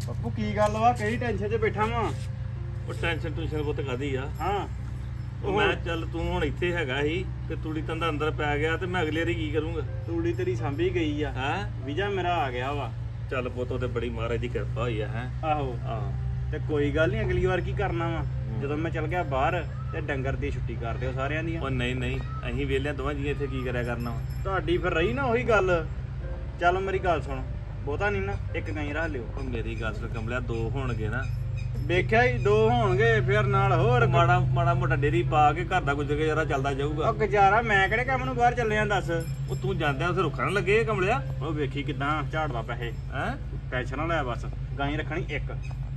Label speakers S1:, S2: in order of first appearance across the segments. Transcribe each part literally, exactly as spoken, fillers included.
S1: ਬਾਪੂ ਕੀ ਗੱਲ ਵਾ ਕਿਹੜੀ ਟੈਨਸ਼ਨ 'ਚ ਬੈਠਾ ਵਾਂ?
S2: ਉਹ ਟੈਨਸ਼ਨ ਟੂਸ਼ਨ ਬਹੁਤ ਕਾਦੀ ਆ।
S1: ਹਾਂ
S2: ਉਹ ਮੈਂ ਚੱਲ ਤੂੰ ਹੁਣ ਇੱਥੇ ਹੈਗਾ ਸੀ ਤੇ ਤੂੜੀ ਤੰਦਾ ਅੰਦਰ ਪੈ ਗਿਆ ਤੇ ਮੈਂ ਅਗਲੇ ਵਾਰੀ ਕੀ ਕਰੂੰਗਾ?
S1: ਤੂੜੀ ਤੇਰੀ ਸਾਂਭੀ ਗਈ ਆ
S2: ਹੈ
S1: ਵੀਜ਼ਾ ਮੇਰਾ ਆ ਗਿਆ ਵਾ।
S2: ਚੱਲ ਪੁੱਤ ਤੇ ਬੜੀ ਮਹਾਰਾਜ ਦੀ ਕਿਰਪਾ ਹੋਈ ਆ। ਹੈ
S1: ਆਹੋ
S2: ਆਹ
S1: ਤੇ ਕੋਈ ਗੱਲ ਨਹੀਂ, ਅਗਲੀ ਵਾਰ ਕੀ ਕਰਨਾ ਵਾ ਜਦੋਂ ਮੈਂ ਚੱਲ ਗਿਆ ਬਾਹਰ ਤੇ ਡੰਗਰ ਦੀ ਛੁੱਟੀ ਕਰ ਦਿਓ ਸਾਰਿਆਂ ਦੀਆਂ।
S2: ਉਹ ਨਹੀਂ ਨਹੀਂ ਅਸੀਂ ਵੇਲਿਆਂ ਦੋਵਾਂ ਜੀ ਇੱਥੇ ਕੀ ਕਰਿਆ ਕਰਨਾ ਵਾ?
S1: ਤੁਹਾਡੀ ਫਿਰ ਰਹੀ ਨਾ ਉਹੀ ਗੱਲ। ਚੱਲ ਮੇਰੀ ਗੱਲ ਸੁਣ, ਬਹੁਤਾ ਨਹੀਂ ਨਾ, ਇੱਕ ਗਾਈ ਰੱਖ ਲਿਓ।
S2: ਉਹ ਮੇਰੀ ਗੱਲ ਸੁਣ ਕਮਲਿਆ, ਦੋ ਹੋਣਗੇ ਨਾ।
S1: ਵੇਖਿਆ ਹੀ ਦੋ ਹੋਣਗੇ ਫਿਰ ਨਾਲ ਹੋਰ
S2: ਮਾੜਾ ਮਾੜਾ ਮੋਟਾ ਡੇਰੀ ਪਾ ਕੇ ਘਰ ਦਾ ਗੁਜ਼ਰ ਜਰਾ ਚੱਲਦਾ ਜਾਊਗਾ।
S1: ਉਹ ਗੁਜ਼ਾਰਾ ਮੈਂ ਕਿਹੜੇ ਕੰਮ ਨੂੰ ਬਾਹਰ ਚੱਲੇ ਆਂ ਦੱਸ।
S2: ਉਹ ਤੂੰ ਜਾਂਦਿਆਂ ਉੱਥੇ ਰੁੱਖਣ ਲੱਗੇ ਕਮਲਿਆ।
S1: ਉਹ ਵੇਖੀ ਕਿਦਾਂ ਝਾੜਦਾ ਪੈਸੇ।
S2: ਹੈ
S1: ਟੈਨਸ਼ਨ ਨਾ ਲੈ ਬਸ, ਗਾਈ ਰੱਖਣੀ ਇੱਕ,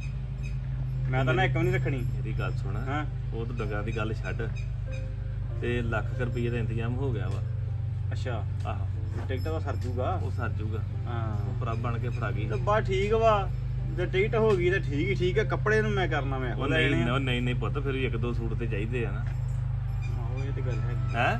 S1: ਮੈਂ ਤਾਂ ਨਾ ਇੱਕ ਵੀ ਨਹੀਂ ਰੱਖਣੀ।
S2: ਮੇਰੀ ਗੱਲ ਸੁਣ,
S1: ਹਾਂ
S2: ਉਹ ਤਾਂ ਡੰਗਰਾਂ ਦੀ ਗੱਲ ਛੱਡ ਤੇ ਲੱਖ ਕੁ ਰੁਪਈਏ ਦਾ ਇੰਤਜ਼ਾਮ ਹੋ ਗਿਆ ਵਾ।
S1: ਅੱਛਾ
S2: ਆਹੋ
S1: ਟਿਕਟ ਤਾਂ ਸਰ ਜੂਗਾ।
S2: ਉਹ ਸਰ ਜੂਗਾ।
S1: ਹਾਂ
S2: ਉਹ ਪ੍ਰਭ ਬਣ ਕੇ ਫੜਾ ਗਈ।
S1: ਤੇ ਬਸ ਠੀਕ ਵਾ, ਜੇ ਟਿਕਟ ਹੋ ਗਈ ਤਾਂ ਠੀਕ ਹੀ ਠੀਕ ਹੈ। ਕੱਪੜੇ ਨੂੰ ਮੈਂ ਕਰਨਾ ਮੈਂ
S2: ਉਹ ਨਹੀਂ ਨਹੀਂ ਨਹੀਂ ਨਹੀਂ ਪੁੱਤ, ਫਿਰ ਵੀ ਇੱਕ ਦੋ ਸੂਟ ਤੇ ਚਾਹੀਦੇ ਆ ਨਾ।
S1: ਆਹੋ ਇਹ ਤੇ ਗੱਲ ਹੈਗੀ।
S2: ਹੈ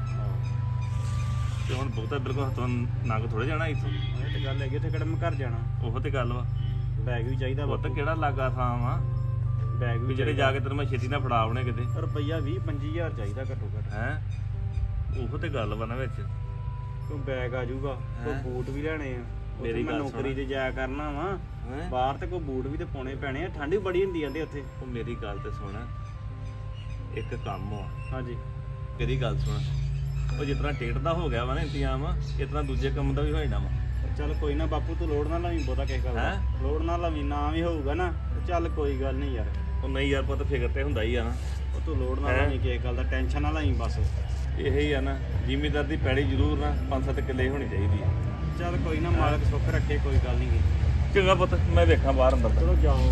S2: ਤੇ ਹੁਣ ਬਹੁਤਾ ਬਿਲਕੁਲ ਹੱਥੋਂ ਨੰਗ ਥੋੜੇ ਜਾਣਾ ਇੱਥੋਂ।
S1: ਇਹ ਤੇ ਗੱਲ ਹੈਗੀ, ਉੱਥੇ ਕਿਹੜਾ ਮੈਂ ਘਰ ਜਾਣਾ।
S2: ਉਹ ਤੇ ਗੱਲ ਵਾ।
S1: ਬੈਗ ਵੀ ਚਾਹੀਦਾ ਵਾ।
S2: ਪੁੱਤ ਕਿਹੜਾ ਲਾਗਾ ਥਾਂ ਵਾ
S1: ਬੈਗ
S2: ਵੀ
S1: ਵੀ
S2: ਜਿਹੜੇ ਜਾ ਕੇ ਤੈਨੂੰ ਮੈਂ ਛੇਤੀ ਨਾਲ ਫੜਾ ਆਉਣੇ ਕਿਤੇ।
S1: ਰੁਪਈਆ ਵੀਹ ਪੰਜੀ ਹਜ਼ਾਰ ਚਾਹੀਦਾ ਘੱਟੋ ਘੱਟ।
S2: ਹੈ ਉਹ ਤੇ ਗੱਲ ਵਾ ਨਾ ਵਿੱਚ।
S1: ਕੋਈ ਬੈਗ ਆ ਜਾਊਗਾ, ਕੋਈ
S2: ਹੈਂ?
S1: ਬੂਟ ਵੀ ਲੈਣੇ ਆ।
S2: ਮੇਰੀ
S1: ਮੈਂ
S2: ਗੱਲ
S1: ਨੌਕਰੀ
S2: ਸੁਣ।
S1: ਤੇ ਜਾਇਆ ਕਰਨਾ ਵਾ
S2: ਹੈਂ?
S1: ਬਾਹਰ, ਤੇ ਕੋਈ ਬੂਟ ਵੀ ਤੇ ਪਾਉਣੇ ਪੈਣੇ ਆ। ਠੰਡ ਵੀ ਬੜੀ ਹੁੰਦੀ ਜਾਂਦੇ ਉੱਥੇ।
S2: ਉਹ ਮੇਰੀ ਗੱਲ ਤੇ ਸੁਣ, ਇੱਕ ਕੰਮ ਆ।
S1: ਹਾਂਜੀ
S2: ਮੇਰੀ ਗੱਲ ਸੁਣ, ਉਹ ਜਿਸ ਤਰ੍ਹਾਂ ਟਿਕਟ ਦਾ ਹੋ ਗਿਆ ਵਾ ਨਾ ਇੰਤਜ਼ਾਮ, ਇਸ ਤਰ੍ਹਾਂ ਦੂਜੇ ਕੰਮ ਦਾ ਵੀ ਹੋ ਜਾਣਾ ਵਾ।
S1: ਚੱਲ ਕੋਈ ਨਾ ਬਾਪੂ, ਤੂੰ ਲੋੜ ਨਾ ਲਵੀਂ ਬਹੁਤਾ ਕਿਸੇ ਗੱਲ ਦਾ।
S2: ਹੈਂ?
S1: ਲੋੜ ਨਾ ਲਵੀਂ, ਨਾ ਵੀ ਹੋਊਗਾ ਨਾ ਤੇ ਚੱਲ ਕੋਈ ਗੱਲ ਨਹੀਂ ਯਾਰ।
S2: ਉਹ ਨਹੀਂ ਯਾਰ ਪੁੱਤ, ਫਿਕਰ ਤੇ ਹੁੰਦਾ ਹੀ ਆ ਨਾ।
S1: ਉਹ ਤੂੰ ਲੋੜ ਨਾ
S2: ਹੈਂ?
S1: ਲਵੀਂ ਕਿਸੇ ਗੱਲ ਦਾ, ਟੈਨਸ਼ਨ ਨਾ ਲਵੀਂ ਬਸ।
S2: ਇਹ ਹੀ ਆ ਨਾ, ਜ਼ਿਮੀਦਾਰ ਦੀ ਪੈੜੀ ਜ਼ਰੂਰ ਨਾ ਪੰਜ ਸੱਤ ਕਿੱਲੇ ਹੋਣੀ ਚਾਹੀਦੀ ਆ।
S1: ਚੱਲ ਕੋਈ ਨਾ, ਮਾਲਕ ਸੁੱਖ ਰੱਖੇ, ਕੋਈ ਗੱਲ ਨਹੀਂ ਗੀ।
S2: ਚੰਗਾ ਪੁੱਤ, ਮੈਂ ਵੇਖਾਂ ਬਾਹਰ ਅੰਦਰ ਦਾ।
S1: ਚਲੋ ਜਾਓ।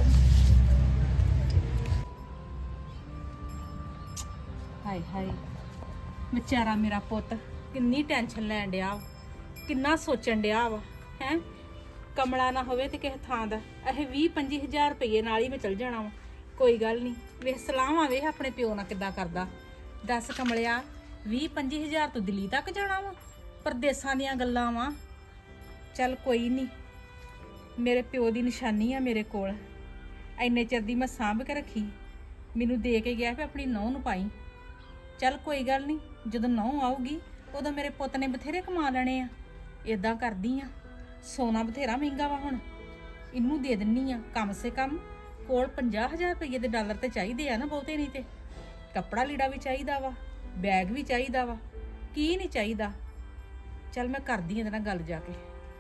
S3: ਹਾਏ ਹਾਏ, ਵਿਚਾਰਾ ਮੇਰਾ ਪੁੱਤ ਕਿੰਨੀ ਟੈਨਸ਼ਨ ਲੈਣ ਡਿਆ ਵਾ, ਕਿੰਨਾ ਸੋਚਣ ਡਿਆ ਵਾ। ਹੈ ਕਮਲਾ ਨਾ ਹੋਵੇ ਤੇ ਕਿਸੇ ਥਾਂ ਦਾ ਇਹ ਵੀਹ ਪੰਜੀ ਹਜ਼ਾਰ ਰੁਪਏ ਨਾਲ ਹੀ ਮੈਂ ਚਲ ਜਾਣਾ ਵਾ। ਕੋਈ ਗੱਲ ਨਹੀਂ, ਵੇਖ ਸਲਾਹਾਂ ਵੇਖ ਆਪਣੇ ਪਿਓ ਨਾਲ ਕਿੱਦਾਂ ਕਰਦਾ। ਦੱਸ ਕਮਲਿਆ, ਵੀਹ ਪੰਜੀ ਹਜ਼ਾਰ ਤੋਂ ਦਿੱਲੀ ਤੱਕ ਜਾਣਾ ਵਾ? ਪਰਦੇਸਾਂ ਦੀਆਂ ਗੱਲਾਂ ਵਾ। ਚੱਲ ਕੋਈ ਨਹੀਂ, ਮੇਰੇ ਪਿਓ ਦੀ ਨਿਸ਼ਾਨੀ ਆ ਮੇਰੇ ਕੋਲ। ਇੰਨੇ ਚਿਰ ਦੀ ਮੈਂ ਸਾਂਭ ਕੇ ਰੱਖੀ, ਮੈਨੂੰ ਦੇ ਕੇ ਗਿਆ ਵੀ ਆਪਣੀ ਨਹੁੰ ਨੂੰ ਪਾਈ। ਚੱਲ ਕੋਈ ਗੱਲ ਨਹੀਂ, ਜਦੋਂ ਨਹੁੰ ਆਊਗੀ ਉਦੋਂ ਮੇਰੇ ਪੁੱਤ ਨੇ ਬਥੇਰੇ ਕਮਾ ਲੈਣੇ ਆ। ਇਦਾਂ ਕਰਦੀ ਆ, ਸੋਨਾ ਬਥੇਰਾ ਮਹਿੰਗਾ ਵਾ ਹੁਣ, ਇਹਨੂੰ ਦੇ ਦਿੰਨੀ ਆ। ਕਮ ਸੇ ਕਮ ਕੋਲ ਪੰਜਾਹ ਹਜ਼ਾਰ ਰੁਪਏ ਦੇ ਡਾਲਰ ਤੇ ਚਾਹੀਦੇ ਆ ਨਾ, ਬਹੁਤੇ ਨਹੀਂ ਤੇ। ਕੱਪੜਾ ਲੀੜਾ ਵੀ ਚਾਹੀਦਾ ਵਾ, ਬੈਗ ਵੀ ਚਾਹੀਦਾ ਵਾ, ਕੀ ਨਹੀਂ ਚਾਹੀਦਾ। ਚੱਲ ਮੈਂ ਕਰਦੀ ਆ ਇਹਦੇ ਨਾਲ ਗੱਲ ਜਾ ਕੇ।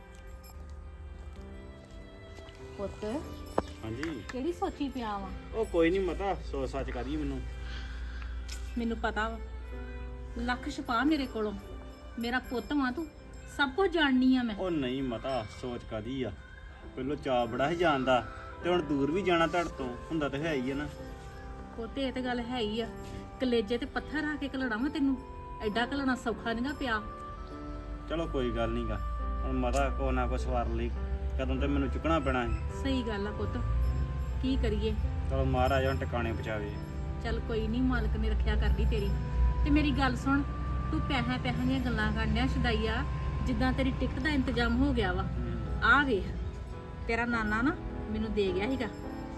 S3: ਪੁੱਤ
S1: ਹਾਂਜੀ
S3: ਕਿਹੜੀ ਸੋਚੀ ਪਿਆ ਵਾ?
S1: ਉਹ ਕੋਈ ਨਹੀਂ ਮਤਾ, ਸੋਚ ਸੱਚ ਕਰੀਏ। ਮੈਨੂੰ
S3: ਮੈਨੂੰ ਪਤਾ ਵਾ, ਲੱਖ ਛਪਾ ਮੇਰੇ ਕੋਲੋਂ। ਮੇਰਾ ਪੁੱਤ ਵਾਂ ਤੂੰ, ਸਭ ਕੁਝ ਜਾਣਨੀ ਆ ਮੈਂ।
S1: ਉਹ ਨਹੀਂ ਮਤਾ, ਸੋਚ ਕਾਦੀ ਆ। ਪਹਿਲੋਂ ਚਾਅ ਬੜਾ ਹੀ ਜਾਣਦਾ, ਤੇ ਹੁਣ ਦੂਰ ਵੀ ਜਾਣਾ ਤੁਹਾਡੇ ਤੋਂ ਹੁੰਦਾ ਤਾਂ ਹੈ ਹੀ ਆ ਨਾ।
S3: ਪੁੱਤ ਇਹ ਤੇ ਗੱਲ ਹੈ ਹੀ ਆ, ਕਲੇਜੇ ਤੇ ਪੱਥਰ ਰੱਖ ਕੇ ਘਲਣਾ ਵਾ ਤੈਨੂੰ। ਐਡਾ ਘਲਣਾ ਸੌਖਾ ਨਹੀਂਗਾ ਪਿਆ।
S1: ਚਲੋ ਕੋਈ ਗੱਲ ਨਹੀਂਗਾ, ਹੁਣ ਮਤਾ ਕੋ ਨਾ ਕੋ ਸਵਾਰ ਲਈ, ਕਦੋਂ ਤੇ ਮੈਨੂੰ ਚੁੱਕਣਾ ਪੈਣਾ ਹੈ।
S3: ਸਹੀ ਗੱਲ ਆ ਪੁੱਤ, ਕੀ ਕਰੀਏ।
S1: ਚਲੋ ਮਹਾਰਾਜ ਹੁਣ ਟਿਕਾਣੇ ਪਹੁੰਚਾਵੇ।
S3: ਚੱਲ ਕੋਈ ਨਹੀਂ, ਮਾਲਕ ਨੇ ਰੱਖਿਆ ਕਰਦੀ ਤੇਰੀ। ਤੇ ਮੇਰੀ ਗੱਲ ਸੁਣ, ਤੂੰ ਪੈਸਿਆਂ ਪੈਸਿਆਂ ਦੀਆਂ ਗੱਲਾਂ ਕਰਨਿਆ ਛਦਾਈਆ, ਜਿੱਦਾਂ ਤੇਰੀ ਟਿਕਟ ਦਾ ਇੰਤਜ਼ਾਮ ਹੋ ਗਿਆ ਵਾ। ਆ ਵੇਖ, ਤੇਰਾ ਨਾਨਾ ਨਾ ਮੈਨੂੰ ਦੇ ਗਿਆ ਸੀਗਾ।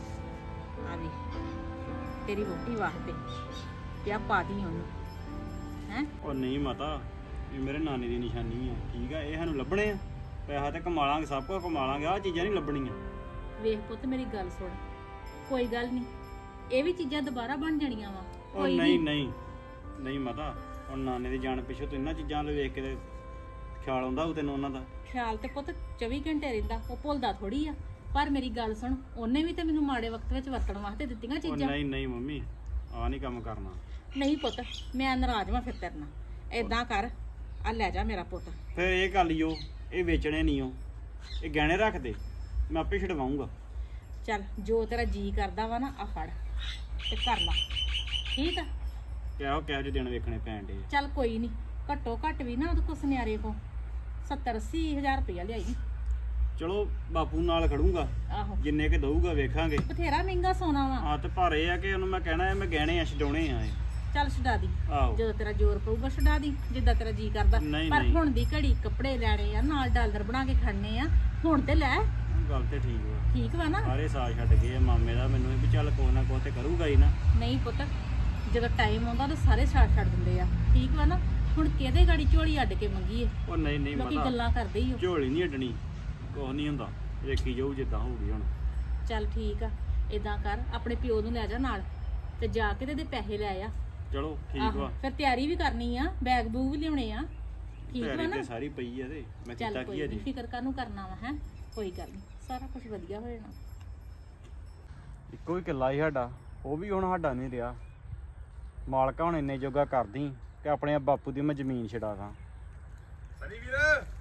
S3: ਆ ਵੇ ਤੇਰੀ ਵੋਟੀ ਵਾਸਤੇ ਪਿਆ, ਪਾ ਦੀ ਉਹਨੂੰ। ਹੈ
S1: ਉਹ ਨਹੀਂ ਮਤਾ, ਇਹ ਮੇਰੇ ਨਾਨੇ ਦੀ ਨਿਸ਼ਾਨੀ ਆ। ਠੀਕ ਆ, ਇਹ ਸਾਨੂੰ ਲੱਭਣੇ ਆ। ਪੈਸਾ ਤੇ ਕਮਾ ਲਾਂਗੇ, ਸਭ ਕੁਝ ਕਮਾ ਲਾਂਗੇ, ਆਹ ਚੀਜ਼ਾਂ ਨਹੀਂ ਲੱਭਣੀਆਂ।
S3: ਵੇਖ ਪੁੱਤ ਮੇਰੀ ਗੱਲ ਸੁਣ, ਕੋਈ ਗੱਲ ਨਹੀਂ, ਇਹ ਵੀ ਚੀਜ਼ਾਂ ਦੁਬਾਰਾ ਬਣ ਜਾਣੀਆਂ ਵਾ।
S1: ਉਹ ਨਹੀਂ ਨਹੀਂ ਨਹੀਂ ਮਤਾ, ਹੁਣ ਨਾਨੇ ਦੀ ਜਾਣ ਪਿੱਛੋਂ ਤੂੰ ਇਹਨਾਂ ਚੀਜ਼ਾਂ ਵੱਲ ਵੇਖ ਕੇ ਤੇ ਖਿਆਲ ਆਉਂਦਾ ਉਹ ਤੈਨੂੰ ਉਹਨਾਂ ਦਾ।
S3: ਖਿਆਲ ਤੇ ਪੁੱਤ ਚੌਵੀ ਘੰਟੇ ਰਹਿੰਦਾ, ਉਹ ਭੁੱਲਦਾ ਥੋੜੀ ਆ। ਪਰ ਮੇਰੀ ਗੱਲ ਸੁਣ, ਉਹਨੇ ਵੀ ਤੇ ਮੈਨੂੰ ਮਾੜੇ ਵਕਤ ਵਿੱਚ ਵਰਤਣ ਵਾਸਤੇ ਦਿੱਤੀਆਂ
S1: ਉਹ
S3: ਚੀਜ਼ਾਂ।
S1: ਨਹੀਂ ਨਹੀਂ ਮੰਮੀ, ਆਹ ਨਹੀਂ ਕੰਮ ਕਰਨਾ।
S3: ਨਹੀਂ ਪੁੱਤ, ਮੈਂ ਨਾਰਾਜ਼ ਵਾਂ ਫਿਰ ਤੇਰੇ ਨਾਲ। ਏਦਾਂ ਕਰ, ਆ ਲੈ ਜਾ ਮੇਰਾ ਪੁੱਤ।
S1: ਫਿਰ ਇਹ ਕਰ ਲਿਓ, ਇਹ ਵੇਚਣੇ ਨਹੀਂ ਉਹ, ਇਹ ਗਹਿਣੇ ਰੱਖ ਦੇ, ਮੈਂ ਆਪੇ ਛਡਵਾਉਂਗਾ।
S3: ਚੱਲ ਜੋ ਤੇਰਾ ਜੀ ਕਰਦਾ ਵਾ ਨਾ, ਆ ਫੜ ਤੇ ਕਰ ਲਾ, ਠੀਕ ਆ।
S1: ਕਿਹੋ ਕਿਹੋ ਜਿਹੇ ਦਿਨ ਵੇਖਣੇ ਪੈਣ ਡੇ।
S3: ਚੱਲ ਕੋਈ ਨਹੀਂ, ਘੱਟੋ ਘੱਟ ਵੀ ਨਾ ਉਹਦੇ ਕੋਲ ਸੁਨਿਆਰੇ ਕੋ ਸੱਤਰ ਅੱਸੀ ਹਜ਼ਾਰ ਰੁਪਇਆ ਲਿਆਈ।
S1: ਚਲੋ ਬਾਪੂ ਨਾਲ ਖੜੂੰਗਾ,
S3: ਆਹੋ
S1: ਜਿੰਨੇ ਕੇ ਦਊਗਾ ਵੇਖਾਂਗੇ।
S3: ਬਥੇਰਾ ਮਹਿੰਗਾ ਸੋਨਾ ਵਾ।
S1: ਹਾਂ ਤੇ ਪਰ ਇਹ ਆ ਕਿ ਉਹਨੂੰ ਮੈਂ ਕਹਿਣਾ ਮੈਂ ਗਹਿਣੇ ਆ ਛਡਾਉਣੇ ਆ ਇਹ।
S3: ਚੱਲ ਛਡਾ ਦੀ,
S1: ਆਹੋ
S3: ਜਦੋਂ ਤੇਰਾ ਜ਼ੋਰ ਪਊਗਾ ਛਡਾ ਦੀ, ਜਿੱਦਾਂ ਤੇਰਾ ਜੀ ਕਰਦਾ।
S1: ਨਹੀਂ,
S3: ਪਰ
S1: ਨਹੀਂ।
S3: ਹੁਣ ਦੀ ਘੜੀ ਕੱਪੜੇ ਲੈਣੇ ਆ, ਨਾਲ ਡਾਲਰ ਬਣਾ ਕੇ ਖੜਨੇ ਆ, ਹੁਣ ਤੇ ਲੈ।
S1: ਗੱਲ ਤੇ ਠੀਕ ਵਾ
S3: ਠੀਕ ਵਾ ਨਾ?
S1: ਸਾਰੇ ਸਾਥ ਛੱਡ ਗਏ ਆ ਮਾਮੇ ਦਾ, ਮੈਨੂੰ ਵੀ ਚੱਲ ਕੋਈ ਨਾ ਕੋਈ ਤੇ ਕਰੂਗਾ ਹੀ ਨਾ।
S3: ਨਹੀਂ ਪੁੱਤ, ਜਦੋਂ ਟਾਈਮ ਆਉਂਦਾ ਤਾਂ ਸਾਰੇ ਸਾਥ ਛੱਡ ਦਿੰਦੇ ਆ, ਠੀਕ ਵਾ ਨਾ? ਹੁਣ ਕਿਹਦੇ ਗਾੜੀ ਝੋਲੀ ਅੱਡ ਕੇ ਮੰਗੀਏ?
S1: ਉਹ ਨਹੀਂ ਨਹੀਂ
S3: ਲੋਕੀ
S1: ਮਾਤਾ
S3: ਗੱਲਾਂ ਕਰਦੇ ਹੀ ਹੋ।
S1: ਝੋਲੀ ਨਹੀਂ ਅੱਡਣੀ, ਕੁਛ ਨਹੀਂ ਹੁੰਦਾ, ਵੇਖੀ ਜਾਊ ਜਿੱਦਾਂ ਹੋਊਗੀ ਹੁਣ।
S3: ਚੱਲ ਠੀਕ ਆ, ਇਦਾਂ ਕਰ ਆਪਣੇ ਪਿਓ ਨੂੰ ਲੈ ਜਾ ਨਾਲ ਤੇ ਜਾ ਕੇ ਤੇ ਇਹਦੇ ਪੈਸੇ ਲੈ ਆ।
S1: ਚਲੋ ਠੀਕ
S3: ਆਹੋ,
S1: ਵਾ।
S3: ਫਿਰ ਤਿਆਰੀ ਵੀ ਕਰਨੀ ਆ, ਬੈਗ ਬੂਗ ਵੀ ਲਿਆਉਣੇ ਆ, ਠੀਕ ਵਾ
S1: ਤਿਆਰੀ
S3: ਨਾ?
S1: ਤੇ ਸਾਰੀ ਪਈ ਆ ਤੇ ਮੈਂ
S3: ਚੱਲ
S1: ਕੀਤਾ
S3: ਕੋਈ
S1: ਕੀ
S3: ਨਹੀਂ,
S1: ਅਜੇ।
S3: ਫਿਕਰ ਕਾਹਨੂੰ ਕਰਨਾ ਵਾ, ਹੈ ਕੋਈ ਗੱਲ ਨਹੀਂ, ਸਾਰਾ ਕੁਝ ਵਧੀਆ ਹੋ ਜਾਣਾ।
S1: ਇੱਕੋ ਹੀ ਕਿੱਲਾ ਹੀ ਸਾਡਾ, ਉਹ ਵੀ ਹੁਣ ਸਾਡਾ ਨਹੀਂ ਰਿਹਾ। ਮਾਲਕਾ ਹੁਣ ਇੰਨੇ ਜੋਗਾ ਕਰਦੀ ਕਿ ਆਪਣੇ ਬਾਪੂ ਦੀ ਮੈਂ ਜ਼ਮੀਨ ਛਡਾ ਦਾਂ।
S2: ਸਨੀ ਵੀਰ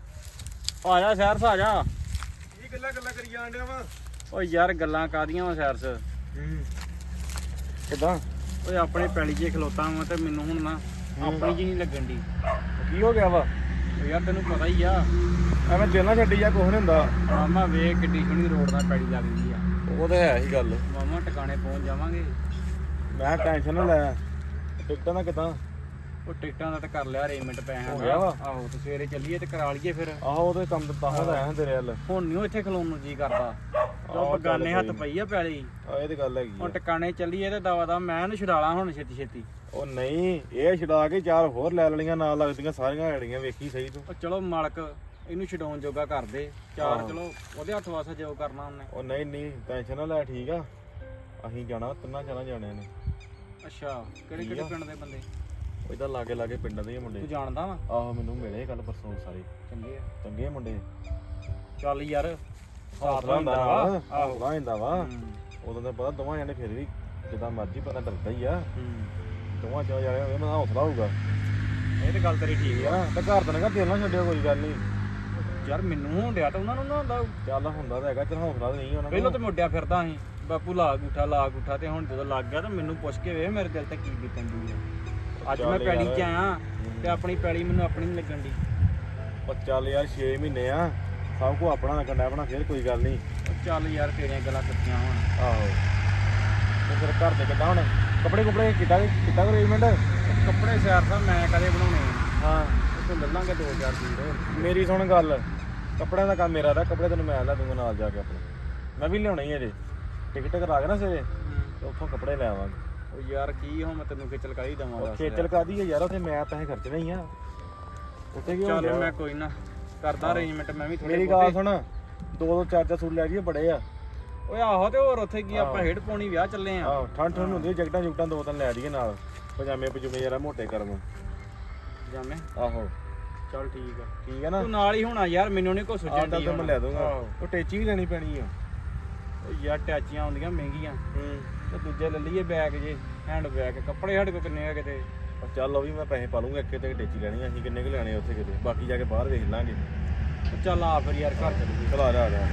S1: ਆ ਜਾ ਸੈਰਸ ਆ ਜਾ।
S2: ਕੀ ਗੱਲਾਂ ਗੱਲਾਂ ਕਰੀ ਜਾਣ ਡਿਆ ਵਾ?
S1: ਓ ਯਾਰ ਗੱਲਾਂ ਕਾਦੀਆਂ ਵਾ ਸੈਰਸ?
S2: ਹੂੰ ਕਿਦਾਂ?
S1: ਓਏ ਆਪਣੇ ਪੈਲੀ 'ਚ ਖਲੋਤਾ ਵਾਂ ਤੇ ਮੈਨੂੰ ਹੁਣ ਨਾ ਆਪਣੀ ਜੀ ਨਹੀਂ ਲੱਗਣ ਦੀ।
S2: ਕੀ ਹੋ ਗਿਆ ਵਾ?
S1: ਓ ਯਾਰ ਤੈਨੂੰ ਪਤਾ ਹੀ ਆ,
S2: ਐਵੇਂ ਦਿਲ ਨਾ ਛੱਡੀ ਜਾ, ਕੁਛ ਨਹੀਂ ਹੁੰਦਾ।
S1: ਮਾਮਾ ਵੇਖ ਕਿੱਡੀ ਸੋਹਣੀ ਰੋਡ ਨਾਲ ਪੈਲੀ ਲੱਗਦੀ ਆ।
S2: ਉਹ ਤਾਂ ਹੈ ਹੀ ਗੱਲ।
S1: ਮਾਮਾ ਟਿਕਾਣੇ ਪਹੁੰਚ ਜਾਵਾਂਗੇ।
S2: ਮੈਂ ਟੈਨਸ਼ਨ ਨਾ ਲੈ, ਟਿਕਟਾਂ ਦਾ ਕਿਦਾਂ?
S1: ਉਹ ਟਿਕਟਾਂ ਦਾ ਤਾਂ ਕਰ ਲਿਆ ਅਰੇਂਜਮੈਂਟ ਪੈਸਿਆਂ
S2: ਹੋ
S1: ਦਾ।
S2: ਗਿਆ ਵਾ?
S1: ਆਹੋ ਤੇ ਸਵੇਰੇ ਚੱਲੀਏ ਤੇ ਕਰਾ ਲਈਏ ਫਿਰ।
S2: ਆਹੋ ਉਹਦੇ ਕੰਮ ਤਾਂ ਹੋ ਰਿਹਾ ਤੇਰੇ ਵੱਲ।
S1: ਹੁਣ ਨਹੀਂ ਇੱਥੇ ਖਲੋਣ ਨੂੰ ਜੀ ਕਰਦਾ,
S2: ਆਹੋ,
S1: ਉਹ ਬਗਾਨੇ
S2: ਚੱਲ
S1: ਹੱਥ
S2: ਕੋਈ
S1: ਪਈ ਆ ਪੈਲੀ।
S2: ਆ ਇਹ ਤੇ ਗੱਲ ਹੈਗੀ
S1: ਹੁਣ
S2: ਆ।
S1: ਟਿਕਾਣੇ ਚੱਲੀਏ ਤੇ ਦਵਾ ਦਾ ਮੈਂ ਇਹਨੂੰ ਛਡਾਲਾ ਹੁਣ ਛੇਤੀ ਛੇਤੀ।
S2: ਉਹ ਨਹੀਂ, ਇਹ ਛਡਾ ਕੇ ਚਾਰ ਹੋਰ ਲੈ ਲੈਣੀਆਂ, ਨਾਲ ਲੱਗਦੀਆਂ ਸਾਰੀਆਂ ਐੜੀਆਂ, ਵੇਖੀ ਸਹੀ ਤੂੰ।
S1: ਉਹ ਚਲੋ ਮਾਲਕ ਇਹਨੂੰ ਛਡਾਉਣ ਜੋਗਾ ਕਰ ਦੇ ਚਾਰ।
S2: ਆਹੋ।
S1: ਚਲੋ ਉਹਦੇ ਹੱਥ ਵਾਸਾ ਜੋ ਕਰਨਾ ਉਹਨੇ।
S2: ਉਹ ਨਹੀਂ ਨਹੀਂ ਟੈਨਸ਼ਨ ਨਾ ਲੈ, ਠੀਕ ਆ? ਅਸੀਂ ਜਾਣਾ, ਤਿੰਨਾਂ ਚਾਰਾਂ ਜਾਣਿਆਂ ਨੇ।
S1: ਅੱਛਾ, ਕਿਹੜੇ
S2: ਠੀਕ
S1: ਕਿਹੜੇ
S2: ਆ।
S1: ਪਿੰਡ ਦੇ ਬੰਦੇ
S2: ਉਹ ਇਦਾਂ ਲਾਗੇ ਲਾਗੇ ਪਿੰਡਾਂ ਦੇ ਹੀ ਮੁੰਡੇ।
S1: ਤੂੰ ਜਾਣਦਾ ਵਾ?
S2: ਆਹੋ ਮੈਨੂੰ ਮਿਲੇ ਕੱਲ ਪਰਸੋਂ ਸਾਰੇ
S1: ਚੰਗੇ ਆ।
S2: ਚੰਗੇ ਮੁੰਡੇ।
S1: ਚੱਲ ਯਾਰ
S2: ਹੌਸਲਾ ਹੁੰਦਾ ਵਾ, ਹੌਸਲਾ ਹੁੰਦਾ ਵਾ।
S1: ਹੂੰ
S2: ਉਦੋਂ ਤਾਂ ਪਤਾ ਦੋਵਾਂ ਜਾਣੇ ਫਿਰ ਵੀ ਜਿੱਦਾਂ ਮਰਜ਼ੀ ਪਤਾ ਡਰਦਾ ਹੀ ਆ।
S1: ਹੂੰ,
S2: ਦੋਵਾਂ ਚਾਰ ਜਾਣੇ ਹੋਵੇ ਮੈਂ ਹੌਸਲਾ ਹੋਊਗਾ।
S1: ਇਹ ਤੇ ਗੱਲ ਤੇਰੀ ਠੀਕ
S2: ਠੀਕ
S1: ਆ।
S2: ਆ ਨਾ? ਤੇ ਘਰ ਤਾਂ ਨਾ ਦਿਲ ਨਾ ਛੱਡਿਓ, ਕੋਈ ਗੱਲ ਨਹੀਂ।
S1: ਯਾਰ ਮੈਨੂੰ ਹੋਣ ਡਿਆ ਤਾਂ ਉਹਨਾਂ ਨੂੰ ਨਾ ਹੁੰਦਾ।
S2: ਚੱਲ ਹੁੰਦਾ ਤਾਂ ਹੈਗਾ, ਚਲ ਹੌਸਲਾ ਤਾਂ ਨਹੀਂ ਉਹਨਾਂ
S1: ਪਹਿਲਾਂ ਤਾਂ ਮੁੱਡਿਆ ਫਿਰਦਾ ਸੀ ਬਾਪੂ ਲਾ ਗੂਠਾ ਲਾ ਗੂਠਾ, ਤੇ ਹੁਣ ਜਦੋਂ ਲੱਗ ਗਿਆ ਤਾਂ ਮੈਨੂੰ ਪੁੱਛ ਕੇ ਵੇ ਮੇਰੇ ਦਿਲ ਤੇ ਕੀ ਬੀਤਦੀ ਆ। ਅੱਜ ਮੈਂ
S2: ਚੱਲ
S1: ਪੈਲੀ
S2: ਯਾਰ।
S1: 'ਚ ਆਇਆ ਤੇ ਆਪਣੀ ਪੈਲੀ ਮੈਨੂੰ ਆਪਣੀ ਨਹੀਂ ਲੱਗਣ ਦੀ।
S2: ਉਹ ਚੱਲ ਯਾਰ ਛੇ ਮਹੀਨੇ ਆ, ਸਭ ਕੋ ਆਪਣਾ ਲੱਗਣ ਡਿਆ ਆਪਣਾ, ਫਿਰ ਕੋਈ ਗੱਲ ਨਹੀਂ।
S1: ਉਹ ਚੱਲ ਯਾਰ ਤੇਰੀਆਂ ਗੱਲਾਂ ਸੱਚੀਆਂ ਹੋਣ।
S2: ਆਹੋ ਤੇ ਫਿਰ ਘਰ ਦੇ ਕਿੱਦਾਂ ਹੁਣ? ਕੱਪੜੇ ਕੁਪੜੇ ਕਿੱਦਾਂ ਕਿੱਦਾਂ ਅਰੇਂਜਮੈਂਟ?
S1: ਕੱਪੜੇ ਸਿਆਰ ਸਾਹਿਬ ਮੈਂ ਕਦੇ ਬਣਾਉਣੇ ਆ।
S2: ਹਾਂ
S1: ਉੱਥੋਂ ਲੈ ਲਾਂਗੇ ਦੋ ਚਾਰ ਸੂਟ।
S2: ਮੇਰੀ ਸੁਣ ਗੱਲ, ਕੱਪੜਿਆਂ ਦਾ ਕੰਮ ਮੇਰਾ ਦਾ, ਕੱਪੜੇ ਤੈਨੂੰ ਮੈਂ ਲੈ ਦੂੰਗਾ ਨਾਲ ਜਾ ਕੇ ਆਪਣੇ। ਮੈਂ ਵੀ ਲਿਆਉਣਾ ਹੀ ਅਜੇ, ਟਿਕਟ ਕਰਾ ਕੇ ਨਾ ਸਵੇਰੇ ਤੇ ਉੱਥੋਂ ਕੱਪੜੇ ਲੈ ਆਵਾਂਗੇ।
S1: ਉਹ ਯਾਰ ਕੀ ਹੁਣ ਮੈਂ ਤੈਨੂੰ ਖੇਚਲ ਕਾਹਦੀ ਦਵਾਂ
S2: ਉਹ
S1: ਦੱਸ
S2: ਖੇਚਲ ਕਾਦੀ ਹੈ ਯਾਰ, ਉੱਥੇ ਮੈਂ ਪੈਸੇ ਖਰਚਣੇ ਹੀ ਆ। ਉੱਥੇ ਕੀ ਹੋ
S1: ਚੱਲ
S2: ਗਿਆ?
S1: ਮੈਂ ਕੋਈ ਨਾ ਕਰਦਾ ਅਰੇਂਜਮੈਂਟ ਮੈਂ ਵੀ ਥੋੜੇ
S2: ਮੇਰੀ ਗੱਲ ਸੁਣ, ਦੋ ਦੋ ਚਾਰ ਚਾਰ ਸੂਟ ਲੈ ਜੀਏ, ਬੜੇ ਆ।
S1: ਓਏ ਆਹੋ, ਤੇ ਹੋਰ ਉੱਥੇ ਕੀ ਆਪਾਂ
S2: ਆਹੋ।
S1: ਹੇਡ ਪਾਉਣੀ ਵਿਆਹ ਚੱਲੇ ਆ।
S2: ਆਹੋ ਠੰਡ ਠੰਡ ਹੁੰਦੀ, ਜੈਕਟਾਂ ਜੁਕਟਾਂ ਦੋ ਤਿੰਨ ਲੈ ਜੀਏ ਨਾਲ, ਪਜਾਮੇ ਪਜੂਮੇ ਜਰਾ ਮੋਟੇ ਕਰਮ।
S1: ਜਾਮੇ
S2: ਆਹੋ
S1: ਚੱਲ ਠੀਕ ਆ।
S2: ਠੀਕ ਹੈ ਨਾ?
S1: ਤੂੰ ਨਾਲ ਹੀ ਹੋਣਾ ਯਾਰ, ਮੈਨੂੰ ਨਹੀਂ ਕੁਛ
S2: ਆਹ
S1: ਸੋਚਣ
S2: ਤਾਂ
S1: ਦੀ
S2: ਮੈਂ ਲੈ ਦੂੰਗਾ।
S1: ਆਹੋ।
S2: ਉਹ ਟੇਚੀ ਵੀ ਲੈਣੀ ਪੈਣੀ ਆ।
S1: ਉਹ ਯਾਰ ਟੈਚੀਆਂ ਆਉਂਦੀਆਂ ਮਹਿੰਗੀਆਂ,
S2: ਹੂੰ
S1: ਤੇ ਦੂਜੇ ਲੈ ਲਈਏ ਬੈਗ ਜੇ, ਹੈਂਡ ਬੈਗ। ਕੱਪੜੇ ਸਾਡੇ ਕੋਲ ਕਿੰਨੇ ਆ ਕਿਤੇ।
S2: ਉਹ ਚੱਲ ਉਹ ਵੀ ਮੈਂ ਪੈਸੇ ਪਾ ਲੂੰਗਾ, ਇੱਕ ਤੇ ਟੇਚੀ ਲੈਣੀ ਆ। ਅਸੀਂ ਕਿੰਨੇ ਕੁ ਲੈਣੇ ਉੱਥੇ ਕਿਤੇ, ਬਾਕੀ ਜਾ ਕੇ ਬਾਹਰ ਵੇਖ ਲਾਂਗੇ।
S1: ਉਹ ਚੱਲ ਆ ਫਿਰ ਯਾਰ ਘਰ ਚੱਲੀਏ।
S2: ਚਲ ਆ ਜਾ ਆ ਜਾ।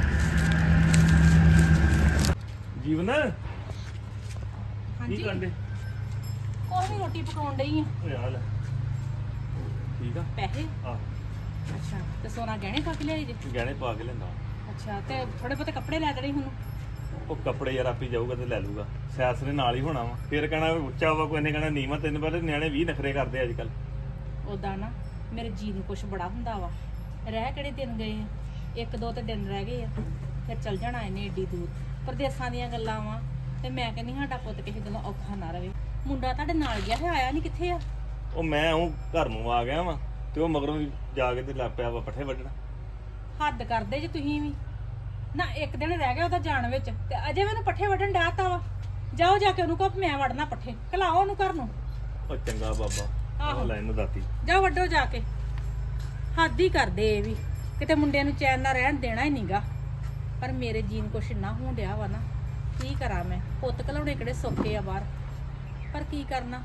S4: ਜੀਵਨ
S3: ਹਾਂਜੀ
S4: ਕੀ ਕਰਦੇ?
S3: ਕੋਈ ਨਹੀਂ, ਰੋਟੀ ਪਕਾਉਣ ਡਈ ਆ।
S4: ਓ ਯਾਰ ਠੀਕ ਆ।
S3: ਪੈਸੇ?
S4: ਆ
S3: ਅੱਛਾ, ਤੇ ਸੋਨਾ ਗਹਿਣੇ ਪਾ ਕੇ ਲਿਆਈ ਜੇ?
S4: ਗਹਿਣੇ ਪਾ ਕੇ ਲੈਂਦਾ।
S3: ਅੱਛਾ, ਤੇ ਥੋੜੇ ਬਹੁਤੇ ਕੱਪੜੇ ਲੈ ਦੇਣੇ ਹੁਣ।
S4: ਉਹ ਕੱਪੜੇ ਯਾਰ ਆਪੀ ਜਾਊਗਾ ਤੇ ਲੈ ਲੂਗਾ, ਸਿਆਸ ਨੇ ਨਾਲ ਹੀ ਹੋਣਾ ਵਾ। ਫਿਰ ਕਹਿਣਾ ਵੀ ਉੱਚਾ ਵਾ, ਕੋਈ ਨੇ ਕਹਿਣਾ ਨੀਵਾਂ। ਤੈਨੂੰ ਪਤਾ ਨਿਆਣੇ ਵੀਹ ਨਖਰੇ ਕਰਦੇ ਅੱਜ ਕੱਲ।
S3: ਉਦਾਂ ਨਾ ਮੇਰੇ ਜੀ ਨੂੰ ਕੁਛ ਬੜਾ ਹੁੰਦਾ ਵਾ। ਰਹਿ ਕਿਹੜੇ ਦਿਨ ਗਏ ਆ, ਇੱਕ ਦੋ ਤੇ ਦਿਨ ਰਹਿ ਗਏ ਆ, ਫਿਰ ਚੱਲ ਜਾਣਾ ਇਹਨੇ ਏਡੀ ਦੂਰ। ਪ੍ਰਦੇਸਾਂ ਦੀਆਂ ਗੱਲਾਂ ਵਾ, ਤੇ ਮੈਂ ਕਹਿੰਦੀ ਸਾਡਾ ਪੁੱਤ ਕਿਸੇ ਗੱਲੋਂ ਔਖਾ ਨਾ ਰਵੇ। ਮੁੰਡਾ ਤੁਹਾਡੇ ਨਾਲ ਗਿਆ ਹੈ, ਆਇਆ ਨਹੀਂ ਕਿੱਥੇ ਆ?
S4: ਉਹ ਮੈਂ ਉਹ ਘਰ ਨੂੰ ਆ ਗਿਆ ਵਾ, ਤੇ ਉਹ ਮਗਰੋਂ ਵੀ ਜਾ ਕੇ ਤੇ ਲੱਗ ਪਿਆ ਵਾ ਪੱਠੇ ਵੱਢਣਾ।
S3: ਹੱਦ ਕਰਦੇ ਜੇ ਤੁਸੀਂ ਵੀ ਨਾ। ਇੱਕ ਦਿਨ ਰਹਿ ਗਿਆ ਉਹਦਾ ਜਾਣ ਵਿੱਚ, ਤੇ ਅਜੇ ਮੈਨੂੰ ਪੱਠੇ ਵੱਢਣ ਡਾਤਾ ਵਾ। ਜਾਓ ਜਾ ਕੇ ਉਹਨੂੰ ਕਹੋ ਮੈਂ ਵੜਨਾ ਪੱਠੇ, ਘਲਾਓ ਉਹਨੂੰ ਘਰ ਨੂੰ।
S4: ਉਹ ਚੰਗਾ ਬਾਬਾ,
S3: ਆਹੋ।
S4: ਉਹ ਲੈ ਇਹਨੂੰ ਦਾਤੀ।
S3: ਜਾਓ ਵੱਢੋ ਜਾ ਕੇ। ਹੱਦ ਹੀ ਕਰਦੇ ਇਹ ਵੀ, ਕਿਤੇ ਮੁੰਡਿਆਂ ਨੂੰ ਚੈਨ ਨਾਲ ਰਹਿਣ ਦੇਣਾ ਹੀ ਨਹੀਂਗਾ। ਪਰ ਮੇਰੇ ਜੀਨ ਕੁਛ ਇੰਨਾ ਹੋਣ ਡਿਆ ਵਾ ਨਾ, ਕੀ ਕਰਾਂ ਮੈਂ? ਪੁੱਤ ਘਲਾਉਣੇ ਕਿਹੜੇ ਸੌਖੇ ਆ ਬਾਹਰ, ਪਰ ਕੀ ਕਰਨਾ।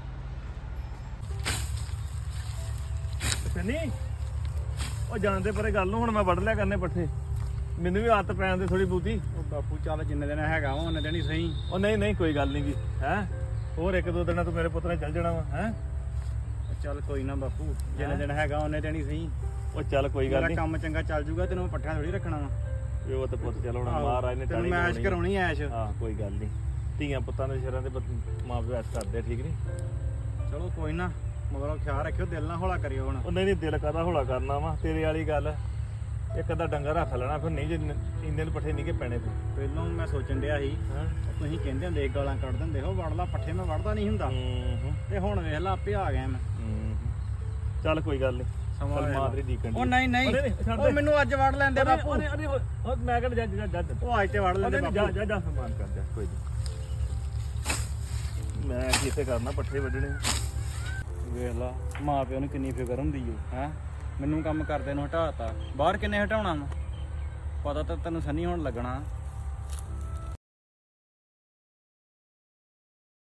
S4: ਸਨੀ ਉਹ ਜਾਣਦੇ ਪਰੇ ਗੱਲ ਨੂੰ, ਹੁਣ ਮੈਂ ਵੱਢ ਲਿਆ ਕਰਨੇ ਪੱਠੇ। ਮੈਨੂੰ ਵੀ ਆਦਤ ਪੈਣ ਦੇ ਥੋੜੀ ਬੂਤੀ।
S1: ਉਹ ਬਾਪੂ ਚੱਲ ਜਿੰਨੇ ਦਿਨ ਹੈਗਾ ਵਾ ਉਹਨੇ ਦਿਨ ਹੀ ਸਹੀ।
S4: ਉਹ ਨਹੀਂ ਨਹੀਂ ਕੋਈ ਗੱਲ ਨਹੀਂ ਗੀ ਹੈ। ਹੋਰ ਇੱਕ ਦੋ ਦਿਨਾਂ ਤੂੰ ਮੇਰੇ ਪੁੱਤ ਨੇ ਚੱਲ ਜਾਣਾ ਵਾ ਹੈ।
S1: ਚੱਲ ਕੋਈ ਨਾ ਬਾਪੂ, ਜਿੰਨੇ ਦਿਨ ਹੈਗਾ ਉਹਨੇ ਦਿਨ ਹੀ ਸਹੀ।
S4: ਉਹ ਚੱਲ ਕੋਈ ਗੱਲ
S1: ਮੇਰਾ
S4: ਨਹੀਂ।
S1: ਕੰਮ ਚੰਗਾ ਚੱਲ ਜੂਗਾ, ਤੈਨੂੰ ਮੈਂ ਪੱਠਿਆਂ ਥੋੜੀ ਰੱਖਣਾ ਵਾ।
S4: ਵੀ ਉਹ ਤੇ ਪੁੱਤ ਚੱਲ ਹੁਣ ਮਹਾਰਾਜ ਨੇ
S1: ਤੈਨੂੰ
S4: ਟਾਲੀ
S1: ਮੈਸ਼
S4: ਲਾਉਣੀ।
S1: ਕਰਾਉਣੀ ਐਸ਼।
S4: ਹਾਂ ਕੋਈ ਗੱਲ ਨਹੀਂ, ਧੀਆਂ ਪੁੱਤਾਂ ਦੇ ਸ਼ਰਾਂ ਦੇ ਮਾਂ ਪਿਓ ਐਸ ਕਰਦੇ ਆ, ਠੀਕ ਨਹੀਂ?
S1: ਚਲੋ ਕੋਈ ਨਾ, ਮਗਰੋਂ ਖਿਆਲ ਰੱਖਿਓ, ਦਿਲ ਨਾ ਹੌਲਾ ਕਰਿਓ ਹੁਣ।
S4: ਉਹ ਨਹੀਂ ਨਹੀਂ ਦਿਲ ਕਾਹਦਾ ਹੌਲਾ ਕਰਨਾ ਵਾ, ਤੇਰੇ ਵਾਲੀ ਗੱਲ। ਇੱਕ ਅੱਧਾ ਡੰਗਰ ਰੱਖ ਲੈਣਾ ਫਿਰ ਨਹੀਂ ਜੇ ਇੰਨੇ ਨੂੰ ਪੱਠੇ ਨਹੀਂ ਕਿ ਪੈਣੇ ਫਿਰ
S1: ਪਹਿਲਾਂ ਮੈਂ ਸੋਚਣ ਡਿਆ ਸੀ
S4: ਹਾਂ
S1: ਤੁਸੀਂ ਕਹਿੰਦੇ ਹੁੰਦੇ ਗਾਲਾਂ ਕੱਢ ਦਿੰਦੇ ਹੋ ਵੜ ਲਾ ਪੱਠੇ ਮੈਂ ਵੜਦਾ ਨਹੀਂ ਹੁੰਦਾ
S4: ਹੂੰ
S1: ਤੇ ਹੁਣ ਵੇਖ ਲਾ ਆਪੇ ਆ ਗਿਆ ਮੈਂ
S4: ਹੂੰ ਚੱਲ ਕੋਈ ਗੱਲ ਨਹੀਂ
S1: ਸਮਾਂ ਵੇਖ ਲਾ।
S4: ਮਾਦਰੀ ਦੀਕਣ
S1: ਉਹ ਨਹੀਂ ਨਹੀਂ
S4: ਉਹਨੇ ਨੀ, ਛੱਡ
S1: ਉਹ
S4: ਦੇ।
S1: ਮੈਨੂੰ ਅੱਜ ਵੜ ਲੈਂਦੇ ਬਾਪੂ
S4: ਅਰੇ ਅਰੇ ਉਹ ਮੈਂ ਕਹਿੰਦਾ ਜਾ ਜਾ ਜਾ ਜਾ
S1: ਉਹ ਅੱਜ ਤੇ ਵੜ ਲੈਂਦੇ
S4: ਜਾ
S1: ਬਾਪੂ
S4: ਜਾ ਜਾ ਸਮਾਨ ਕਰ ਜਾ ਕੋਈ ਨਹੀਂ ਮੈਂ ਕੀ ਇੱਥੇ ਕਰਨਾ ਪੱਠੇ ਵੱਢਣੇ
S1: ਵੇਖ ਲਾ ਮਾਂ ਪਿਓ ਨੂੰ ਕਿੰਨੀ ਫਿਕਰ ਹੁੰਦੀ ਓ ਹੈ ਮੈਨੂੰ ਕੰਮ ਕਰਦੇ ਨੂੰ ਹਟਾਤਾ ਬਾਹਰ ਕਿੰਨੇ ਹਟਾਉਣਾ ਵਾ ਪਤਾ ਤਾਂ ਤੈਨੂੰ ਸੰਨੀ ਹੋਣ ਲੱਗਣਾ